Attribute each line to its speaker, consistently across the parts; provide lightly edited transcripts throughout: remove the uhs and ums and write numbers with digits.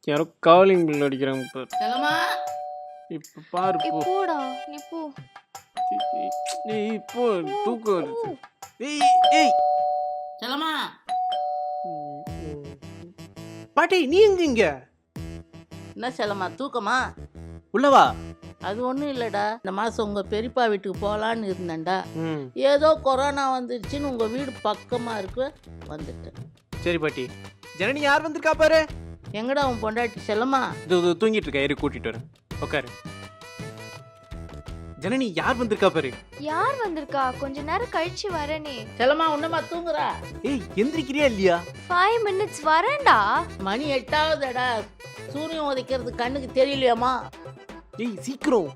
Speaker 1: யாரோ calling bell அடிக்கிறாங்க பாரு.
Speaker 2: செல்லம்மா
Speaker 1: இப்ப பாரு போ.
Speaker 3: போடா நீ போ.
Speaker 1: ஏய் இப்போ தூக்கம் வருது. ஏய் ஏய்
Speaker 2: செல்லம்மா
Speaker 1: பாட்டி நீ எங்க இங்க?
Speaker 2: என்ன செல்லம்மா தூக்கமா?
Speaker 1: உள்ளவா?
Speaker 2: அது ஒன்றும் இல்லைடா, இந்த மாதம் உங்கள் பெரியப்பா வீட்டுக்கு போகலான்னு இருந்தேன்டா.
Speaker 1: ம்
Speaker 2: ஏதோ கொரோனா வந்துருச்சுன்னு உங்கள் வீடு பக்கமாக இருக்கு வந்துட்டேன்.
Speaker 1: சரி பாட்டி. ஜனனி யார் வந்திருக்கா பாரு.
Speaker 2: எங்கடா உன் பொண்டாட்டி செல்லம்மா?
Speaker 1: இது தூங்கிட்டு இருக்கா, இரு கூட்டிட்டு வரேன். உட்காரு. ஜனனி யார் வந்திருக்கா பாரு.
Speaker 3: யார் வந்திருக்கா? கொஞ்ச நேரம் கழிச்சு வரேனே.
Speaker 2: செல்லம்மா ஒன்றுமா தூங்குறா?
Speaker 1: ஏய் எந்திரிக்கிறியா இல்லையா?
Speaker 3: 5 minutes வரேன்டா.
Speaker 2: மணி 8ஆகுதுடா, சூரியன் உதைக்கிறது கண்ணுக்கு தெரியலையாம்மா?
Speaker 1: ஏய் சீக்கிரம்.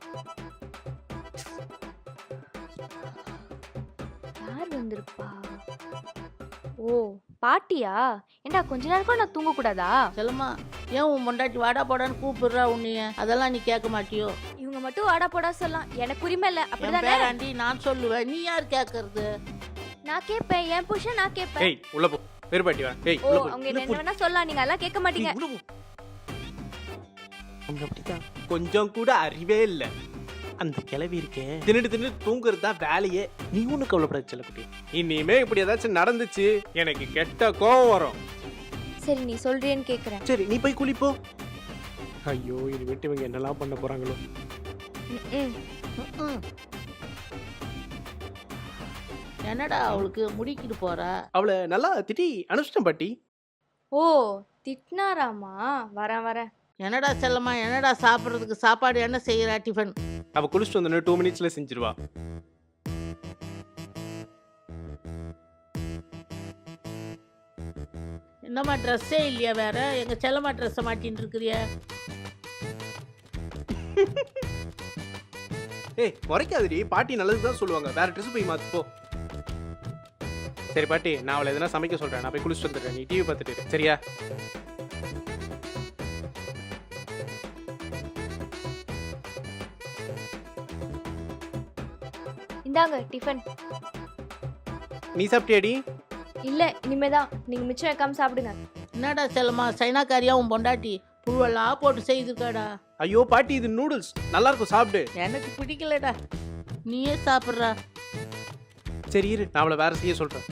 Speaker 3: யார் வந்திருப்பா? ஓ பாட்டியா? ஏண்டா கொஞ்ச நேரம் கூட நான் தூங்க கூடாதா?
Speaker 2: செல்லம்மா ஏன் உன் பொண்டாட்டி வாடா போடான்னு கூப்பிடுறா உன்னைய? அதெல்லாம் நீ கேட்க மாட்டியோ?
Speaker 3: இவங்க மட்டும் வாடா போடா சொல்லலாம், எனக்கு உரிமை இல்ல.
Speaker 2: என்
Speaker 3: அப்படிதானே?
Speaker 2: பேராண்டி நான் சொல்லுவேன், நீ யார் கேட்கறது?
Speaker 3: நான் கேட்பேன், என் புருஷன் நான் கேட்பேன்.
Speaker 1: ஏய் உள்ள போ. வேறு பாட்டி வா. ஏய்
Speaker 3: ஓ
Speaker 1: உள்ள போ.
Speaker 3: அவங்க என்ன வேணா சொல்லலாம், நீங்க எல்லாம் கேட்க மாட்டீங்க.
Speaker 1: ஏய், உள்ள போ. அவங்க அப்படிதான். கொஞ்சம் கூட அறிவே இல்ல. அந்த கிளவி இருக்கே தின்னுட்டு தூங்குறது தான் வேலையே. நீ ஒண்ணு கவலைப்படாத செல்லக்குட்டி. இனிமே இப்படி ஏதாச்சும் நடந்துச்சு எனக்கு கெட்ட கோவம் வரும்.
Speaker 3: சரி நீ சொல்றியேன்னு கேக்குறேன்.
Speaker 1: சரி நீ போய் குளிப்போ. ஐயோ இது விட்டு இவங்க என்னெல்லாம் பண்ண போறாங்களோ.
Speaker 3: ம்.
Speaker 2: என்னடா அவளுக்கு முடிக்கிட்டு போறா?
Speaker 1: அவளை நல்லா திட்டி அனுப்பிச்சிட்டேன் பாட்டி.
Speaker 3: ஓ திட்டினாராமா? வரேன் வரேன்.
Speaker 2: என்னடா செல்லம்மா, என்னடா சாப்பிட்றதுக்கு சாப்பாடு என்ன செய்யறா? டிஃபன்
Speaker 1: அவ குளிச்சுட்டு வந்தோடனே 2 minutesல செஞ்சிருவா.
Speaker 2: என்னம்மா ட்ரெஸ்ஸே இல்லையா வேற? எங்க செல்லம்மா ட்ரெஸ்ஸை மாட்டின்னு இருக்கிறிய?
Speaker 1: ஏய் குறைக்காதடி, பாட்டி நல்லது தான் சொல்லுவாங்க. வேற ட்ரெஸ் போய் மாத்து போ. சரி பாட்டி, நான் அவளை எதனா சமைக்க சொல்றேன். நான் போய் குளிச்சுட்டு வந்துடுறேன். நீ டிவி பார்த்துட்டு இரு. சரியா?
Speaker 3: இந்தாங்க டிஃபன்.
Speaker 1: நீ சாப்பிட்டியாடி?
Speaker 3: இல்ல இனிமேதான். நீங்க மிச்சம் வைக்காம சாப்பிடுங்க.
Speaker 2: என்னடா செல்லம்மா சைனாக்காரியா உன் பொண்டாட்டி புழுவெல்லாம் போட்டு செய்திருக்காடா.
Speaker 1: ஐயோ பாட்டி இது நூடுல்ஸ் நல்லா இருக்கும், சாப்பிடு.
Speaker 2: எனக்கு பிடிக்கலடா, நீயே சாப்பிட்றா.
Speaker 1: சரி இரு, நான் அவளை வேற செய்ய சொல்றேன்.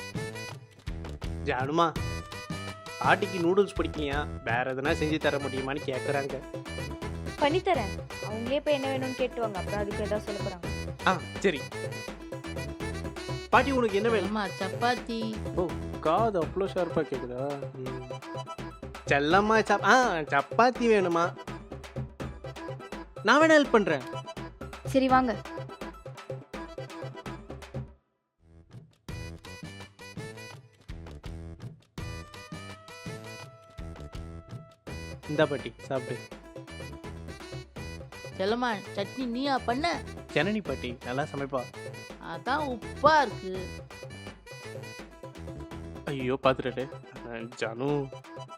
Speaker 1: ஜானுமா பாட்டிக்கு நூடுல்ஸ் பிடிக்கலையா, வேற எதனா செஞ்சு தர முடியுமான்னு கேட்குறாங்க.
Speaker 3: பண்ணித்தரேன். அவங்களே போய் என்ன வேணும்னு கேட்டுவாங்க, அப்புறம் அதுக்கு ஏதாவது சொல்ல போறாங்க.
Speaker 1: சரி பாட்டி உனக்கு என்ன வேணும்?
Speaker 2: செல்லம்மா சப்பாத்தி.
Speaker 1: ஓ காது அவ்வளோ ஷார்ப்பா கேக்குதா? செல்லம்மா சப்பாத்தி வேணுமா? நான் வேணா ஹெல்ப் பண்றேன்.
Speaker 3: சரி வாங்க.
Speaker 1: இந்தா பாட்டி சாப்பிடு.
Speaker 2: செல்லம்மா சட்னி நீயா பண்ண?
Speaker 1: ஜனனி பாட்டி நல்லா சமைப்பா.
Speaker 2: அதான் உப்பா இருக்கு.
Speaker 1: ஐயோ பாத்துட்டு ஜானு